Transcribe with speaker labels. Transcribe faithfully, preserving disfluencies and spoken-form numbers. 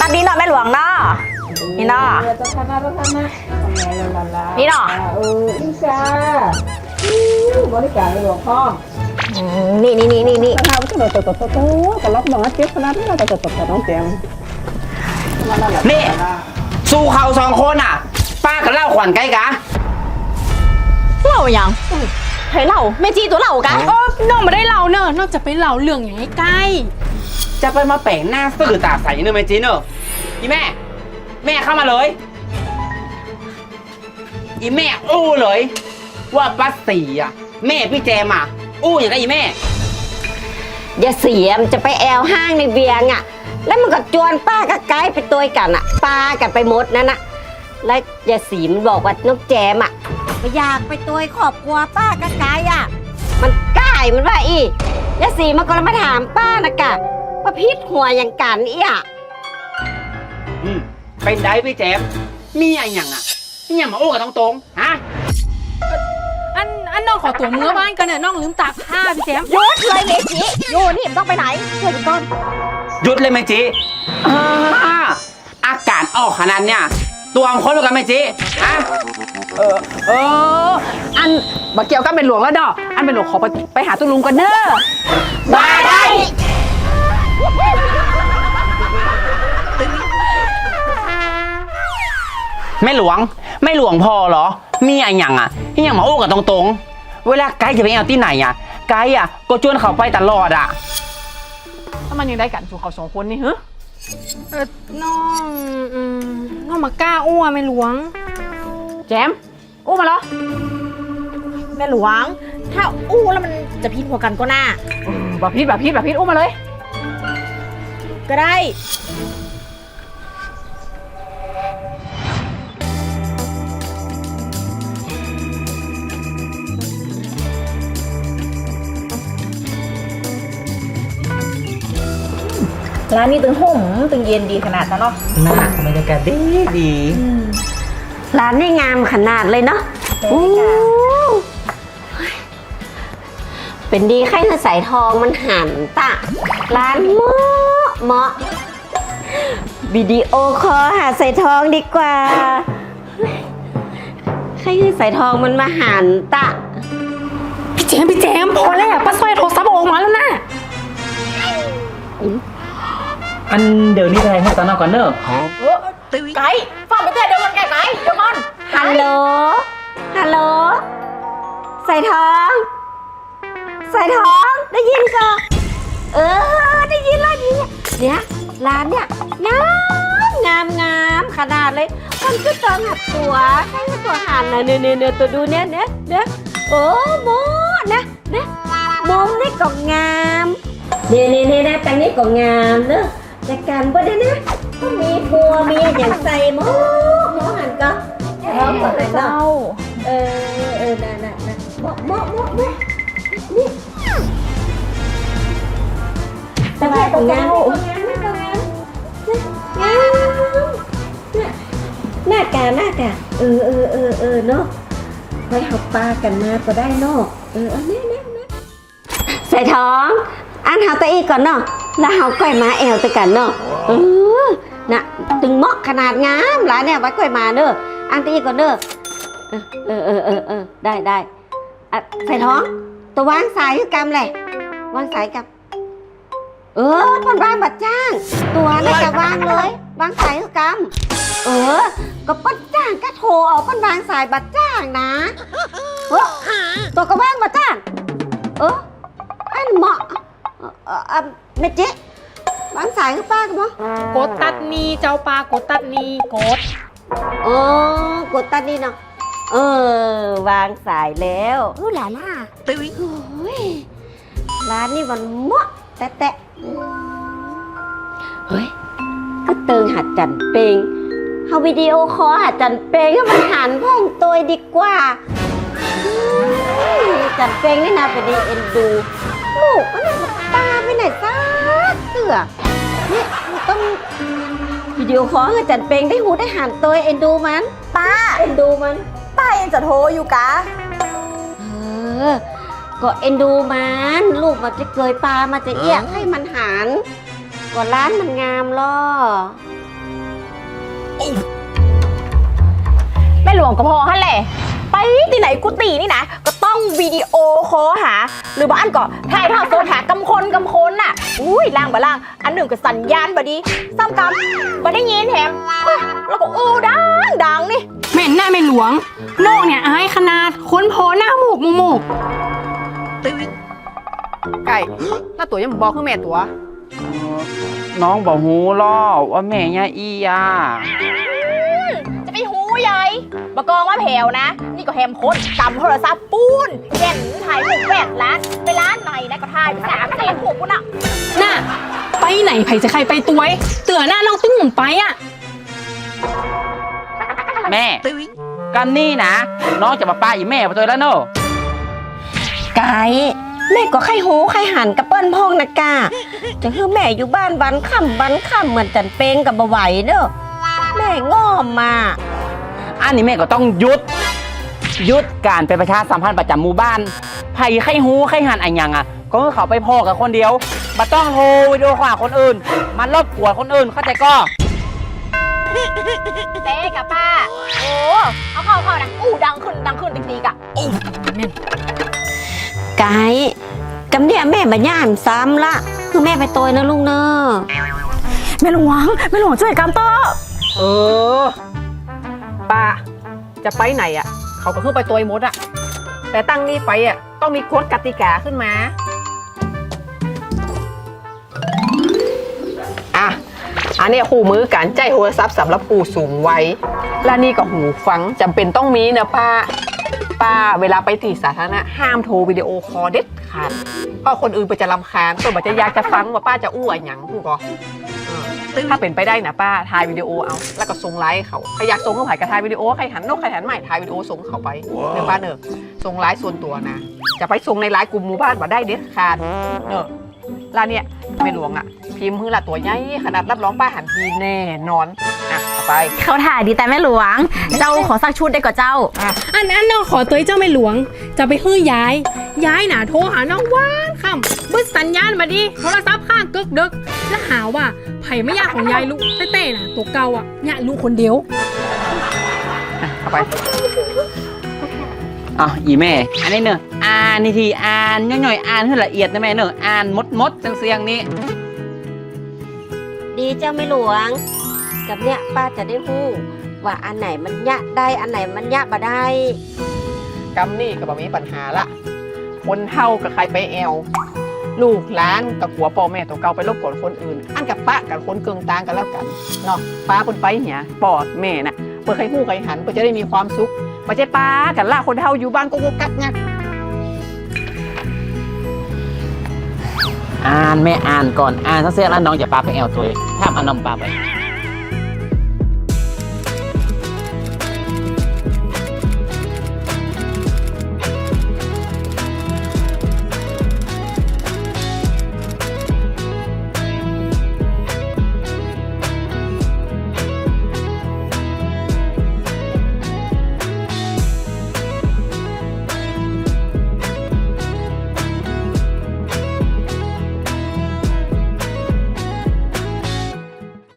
Speaker 1: ตัดนี้เนาะแม่หลวงเนาะนี่เนาะนี่เนาะ
Speaker 2: เอออิชาบริการในหลวงพ่อ
Speaker 1: นี่นี่นี่นี่นี่
Speaker 2: ทำตัวตัวตัวตัวก็ล็อกบอกว่าเจ็บขนาดนี้เราตัวตัวตัวน้องแจม
Speaker 3: นี่สู้เขาสองคนอ่ะป้ากับเล่าขวัญไกลกะ
Speaker 1: เล่าอย่างให้เล่าแม่จีตัวเล่ากัน
Speaker 4: เออน้องไม่ได้เล่าเนอะนอกจากไปเล่าเรื่องอย่างใกล้
Speaker 3: จะไปมาแปลงหน้าซื่อตาใสเนอะแม่จีเนอะอีแม่แม่เข้ามาเลยอีแม่อู้เลยว่าป้าสีอ่ะแม่พี่แจมอ่ะอู้อย่างไรอีแม่
Speaker 1: อย่าเสียมจะไปแอลห้างในเบียงอ่ะแล้วมันก็จวนป้ากับไกด์ไปตัวกันอ่ะป้ากันไปหมดนั่นน่ะแล้วอย่าสีมันบอกว่าน้องแจมอ่ะไม่อยากไปตัวครอบครัวป้ากับไกด์อ่ะมันกล้ายมันว่าอีอย่าสีมันก็มาถามป้านะกะว่าพิษหัวอย่างกันอีอ่ะ
Speaker 3: อืมเป็นได้พี่แจมมีอะไรอย่างอ่ะนี่ยังมาอู้กับตรงๆฮะ
Speaker 4: อันอันน้องขอตัวเมื่อบ้านกันเนี่ยน้องลืมตากผ้าพี่แจม
Speaker 1: หยุดเลยเมจิโยนี่ต้องไปไหนช่วยก่อน
Speaker 3: หยุดเลยแม่จีอากาศออกขนาดเนี้ยตัวมันคนเหมือนกันแม่จีฮะ
Speaker 2: เออเอออันบักเกี่ยวก็เป็นหลวงแล้วดอกอันเป็นหลวงขอไปไปหาตุ้ลุงกันเด้อ
Speaker 1: มาได้
Speaker 3: ไม่หลวงไม่หลวงพอเหรอมีอะไรอย่างอ่ะที่ยังมาอู้กับตรงๆเวลาไกด์จะไปเอาที่ไหนอ่ะไกด์อ่ะก็ชวนเขาไปตลอดอ่ะ
Speaker 4: ถ้ามันยังได้กันสู่เขาสองคนนี่เหรอเออน้องอืมน้องมากล้าอ้วนไม่หลวง
Speaker 1: แจมอู้มาเหรอแม่หลวงถ้าอู้แล้วมันจะพิษหัวกันก็น่า
Speaker 4: แบบพิษแบบพิษแบบพิษอู้มาเลย
Speaker 1: ก็ได้ร้านนี้ตึงห่มตึงเย็นดีขนาดนั้นเนาะ
Speaker 3: น่าบรรยากาศดีดี
Speaker 1: ร้านนี่งามขนาดเลยเนาะเป็นดีแค่ใส่ทองมันหันตะร้านเหมาะเหมาะวิดีโอคอลหาใส่ทองดีกว่าใครใส่ทองมันมาหันตะ
Speaker 4: พี่แจมพี่แจมพอแล้วป้าสร้อยโทรศัพท์ออกมาแล้วนะ
Speaker 3: อันเดี๋ยวนี้แทงให้ตอนนอกก่อนเนอะ
Speaker 1: ไก่ฟังไปเถอะเดี๋ยวมันไก่ไก่เดี๋ยวมันฮัลโหลฮัลโหลใส่ทองใส่ทองได้ยินก็เออได้ยินแล้วนี่เนี่ยร้านเนี่ยงามงามงามขนาดเลยมันก็ต้องหัดตัวใช่ตัวหันนะเนื้อเนื้อเนื้อตัวดูเนี่ยเนี่ยเนี่ยโอ้โมนะเนี่ยมองนี่ก็งามเนี่ยเนี่ยเนี่ยนะตังนี้ก็งามเนอะแต่การบ่ได้นะก็มีผัวมีอย่างใส่หม้อหม้อหันก็พร้อมกันเลยเนาะเออเออน่ะน่ะน่ะหม้อหม้อหม้อหม้อนี่สบายของงานของงานนี่ของงานงานหน้ากาหน้ากาเออเออเออเออเนาะไปหับปลากันมาก็ได้เนาะเออเออเนี่ยเนี่ยเนี่ยใส่ท้องอันหาตะอีก่อนเนาะแล้วเฮาก้อยมาแอลตะกันเนาะเออน่ะตึงเหมาะขนาดงามหลานเนี่ยไว้ก้อยมาเด้ออันตะอีก่อนเด้อเออเออเออเออได้ได้อ่ะใส่ท้องตัววางสายคือกำเลยวางสายกับเออมันวางบัดจ้างตัวน่าจะวางเลยวางสายคือกำเออก็ปัดจ้างก็โทรเอาปันวางสายบัดจ้างนะเออตัวก็วางบัดจ้างเอออันเหมาะเออเมจิวางสายคือป้ากันมั้ง
Speaker 4: กดตัดนี้เจ้าปลากดตัดนี้กด
Speaker 1: โอ้กดตัดนี้เนาะเออวางสายแล้วเออหลาล่าตึ้ยร้านนี้มันเหมาะแตะแตะเฮ้ยก็เติงหัดจันเปงเฮาวิดีโอคอลหัดจันเปงให้มันหันพ่องตัวดีกว่าจันเปงนี่นะเป็นดีเอ็นดูลูกมันตาไปไหนซะเสือเนี่ยต้องวิดีโอคอลให้จันเปงได้หูได้หันตัวเอ็นดูมันป้าเอ็นดูมันป้าเอ็นจะโทรอยู่กะเออก็เอ็นดูมันลูกมันจะเกยปลามาจะเอี้ยให้มันหันก็ร้านมันงามล่อ
Speaker 5: หลวงก็พอฮั่นแหละไปที่ไหนกุฏินี่นะก็ต้องวิดีโอคอลหา หรือบ้านก็ถ่ายทอดสดหากำคนกำคนน่ะอุ้ยล่างบ่ล่างอันหนึ่งก็สัญญาณบ่ดีซ้ำกำบ่ได้ยินแถมเฮ้ยแล้วก็อู้ดังดังนี่
Speaker 4: เหม็นหน้าไม่หลวงโลกเนี่ยอายขนาดค้นพอหน้าหมูกมูมูก
Speaker 2: ไก่แล้วตัวยังบอกคือแม่ตัว
Speaker 3: น้องบอกหูล่อว่าแม่ย่าอีอ่ะ
Speaker 5: จะไปหูใหญ่บกองว่าแผวนะ นี่ก็แฮมโคตรกำโทรศัพท์ปูนเห็นถ่ายรูปแปดล้านไปร้านไหนนะก็ถ่ายไปสามแสนหกปุ่นอ่ะ
Speaker 4: น่ะไปไหนไผจะใครไปตัวไอ้เตือหน้าน้องตุ้งหมุนไปอ่ะ
Speaker 3: แม่กันนี่นะ น้องจะมาป้าอีแม่ไปตัวแล้วเนอะ
Speaker 1: ไก่แม่ก็ไข่หูไข่หันกับเปิ้นพองนะกาจะคือแม่อยู่บ้านวันค่ำวันค่ำเหมือนจันเปงกับบ่ไหวเด้อแม่ง้อมมา
Speaker 3: อันนี้แม่ก็ต้องหยุดหยุดการไปประชาสัมพันธ์ประจำหมู่บ้านไผ่ไข่หูไข่หันอะไรอย่างอ่ะ ก็คือเขาไปพ่อกับคนเดียวมาต้องโทรวิดีโอคอลหาคนอื่น มันรบกวนคนอื่นเข้าใจก็
Speaker 5: เต้กับป้าโอ้เอาเข้าเข้านะอู้ดังขึ้นดังขึ้นติ๊กๆอ่ะ
Speaker 1: ไก่กำเนี่ยแม่มาย่านซ้ำละคือแม่ไปโตยนะลุงเนอะ
Speaker 5: แม่หลวงแม่หลวงช่วยกำต่อ
Speaker 2: เออป้าจะไปไหนอ่ะ เขาก็คือไปตัวไอ้มดอ่ะ แต่ตั้งนี้ไปอ่ะต้องมีกฎกติกาขึ้นมาอ่ะอันนี้คู่มือการใจโทรศัพท์สำหรับผู้สูงวัยและนี่ก็หูฟังจำเป็นต้องมีนะป้าป้าเวลาไปที่สาธารณะห้ามโทรวิดีโอคอลเด็ดขาดเพราะคนอื่นไปจะรำคาญตัวมันจะอยากจะฟังว่าป้าจะอู้อะไรหยังพูดก็ถ้าเป็นไปได้นะป้าถ่ายวิดีโอเอาแล้วก็ส่งไลน์เขาใครอยากส่งเขาถ่ายก็ถ่ายวิดีโอใครหันนกใครหันใหม่ถ่ายวิดีโอส่งเขาไปเนอะป้าเนอะส่งไลน์ส่วนตัวนะจะไปส่งในไลน์กลุ่มหมู่บ้านมาได้เด็ดขาดเนอะร้านเนี่ยแม่หลวงอ่ะพิมพ์ฮือละตัวใหญ่ขนาดรับรองป้าหันทีแน่นอนอ่ะต่อไป
Speaker 5: เขาถ่ายดีแต่แม่หลวง เจ้าขอสักชุดได้ก่อนเจ้า
Speaker 4: อันอันน้องขอตัวเจ้าไม่หลวง จะไปฮื้อย้าย ย้ายหนาโทรหาน้องว่านค่ำบึ้ดสัญญาณมาดิโทรศัพท์ข้างกึกดึกแล้วหาว่าไผ่ไม่ยากของยายลูกเต้ๆน่ะตัวเก่าอ่ะเนี่ยลูกคนเดียว
Speaker 2: อ่ะต่อไป
Speaker 3: อ่ะอีแม่ อันนี้เนอะอ่านนี่ทีอ่านย่อยๆอ่านให้ละเอียดนะแม่เนอะอ่านมดมดๆเสียงๆนี้
Speaker 1: ดีเจ้าไม่หลวง กับเนี่ยป้าจะได้ฮู้ว่าอันไหนมันยะได้อันไหนมันยะบ่ได้
Speaker 2: กำนี่ก็บ่มีปัญหาละคนเท่ากับใครไปแอลลูกหลานกับผัวพ่อแม่ตัวเก่าไปรบกวนคนอื่น อันกับป้ากับคนเกิงตางกันแล้วกันเนาะป้าคนไปเนี่ยปอดแม่น่ะเพื่อใครหู้ใครหันเพื่อจะได้มีความสุขไม่ใช่ป้ากันล่าคนเท่าอยู่บ้านก็กกักงัก
Speaker 3: อ่านแม่อ่านก่อนอ่านทั้งเสียงแล้วน้องจะปาไปแอลตัวเองถ้าเอาน้องปาไป